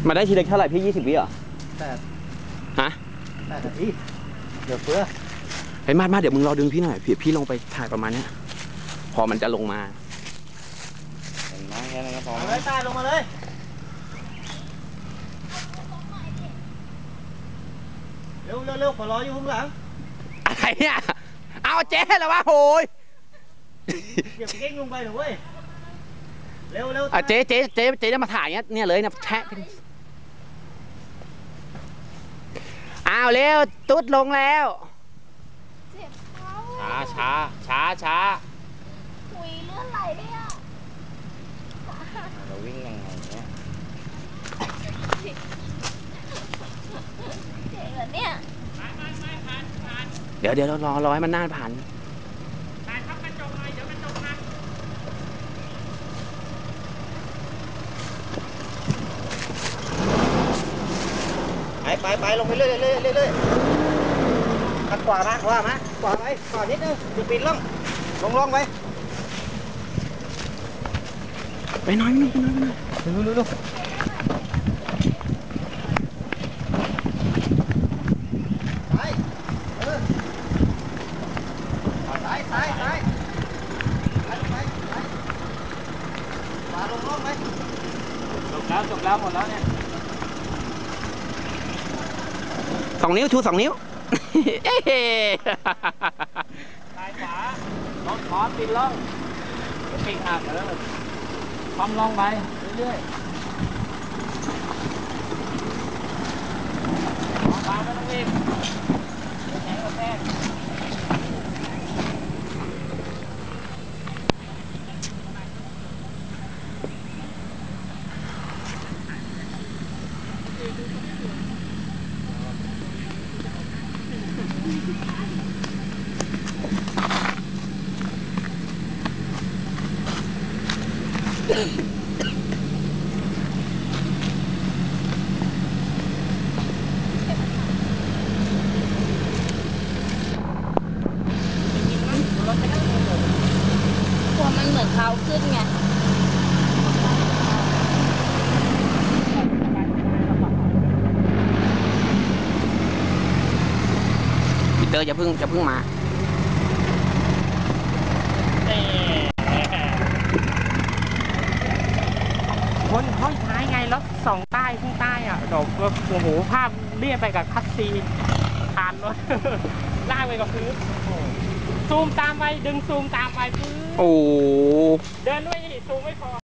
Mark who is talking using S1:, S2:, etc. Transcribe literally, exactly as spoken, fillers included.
S1: มาได้ทีเล็กเท่าไหร่พี่ยี่สิบวิเหรอ
S2: แต่
S1: ฮะ
S2: แต่นาทีเดี๋ยวเฟื่อ
S1: เฮ้ยมามาเดี๋ยวมึงรอดึงพี่หน่อยพี่พี่ลงไปถ่ายประมาณนี้พอมันจะลงมา
S2: เห็นไหมแค่นั้นก็พอเลยตายลงมาเลยเร็วเร็วเร็วขอรออยู่ข้างหลัง
S1: อะไรเนี่ยเอาเจ๊แล้ววะโหย
S2: เดี๋ยวเก่งลงไปหน่อยเว้ยเร็วเร็ว
S1: อ่ะเจ๊เจ๊เจ๊เจ๊จะมาถ่ายเนี้ยเนี่ยเลยนะแชะอ้าวเร็วตุ๊ดลงแล้วช้าช้าช้าช้า
S3: หุยเลื่อนไหลเลยอ่ะ
S1: เราวิ่งยังไงเนี้ย
S3: เจ๋งเหรอเนี่ย
S1: เดี๋ยวเดี๋ยวเรารอรอให้มันน่านผ่าน
S2: ถ่ายทับกระจกหน่อยเดี๋ยวกระจกหักไปไปไปลงไปเรื่อยเรื่อยเรื่อยเรื่อยขัดขวามาขวามาขวาไปขวานิดนึงจะปีนล่องลงล่องไป
S1: ไปน้อยไปน้อยไปน้อยไปน้อย
S2: ดูดูดูไปเออไปไปไปไปไปไปขวาลงล่องไปจบแล้วจบแล้วหมดแล้วเนี่ย
S1: สองนิ้วชูสองนิ้ว
S2: ซ้ายขวาลงขอปีนล่องปีนหักแล้วความล่องไปเรื่อยๆขวาไม่ต้องรีบแข็งกระแทก
S3: หัวมันเหมือนเขาขึ้นไง
S1: พีเตอร์จะพึ่งจะพึ่งมา
S4: คนห้องท้ายไงรถสองใต้ข้างใต้อ่ะดอกโอ้โหภาพเรียบไปกับคัสซีนทานรถลากไปกับพื้นซูมตามไปดึงซูมตามไปพื้น
S1: โอ้
S4: เดินด้วยซูมไม่พอ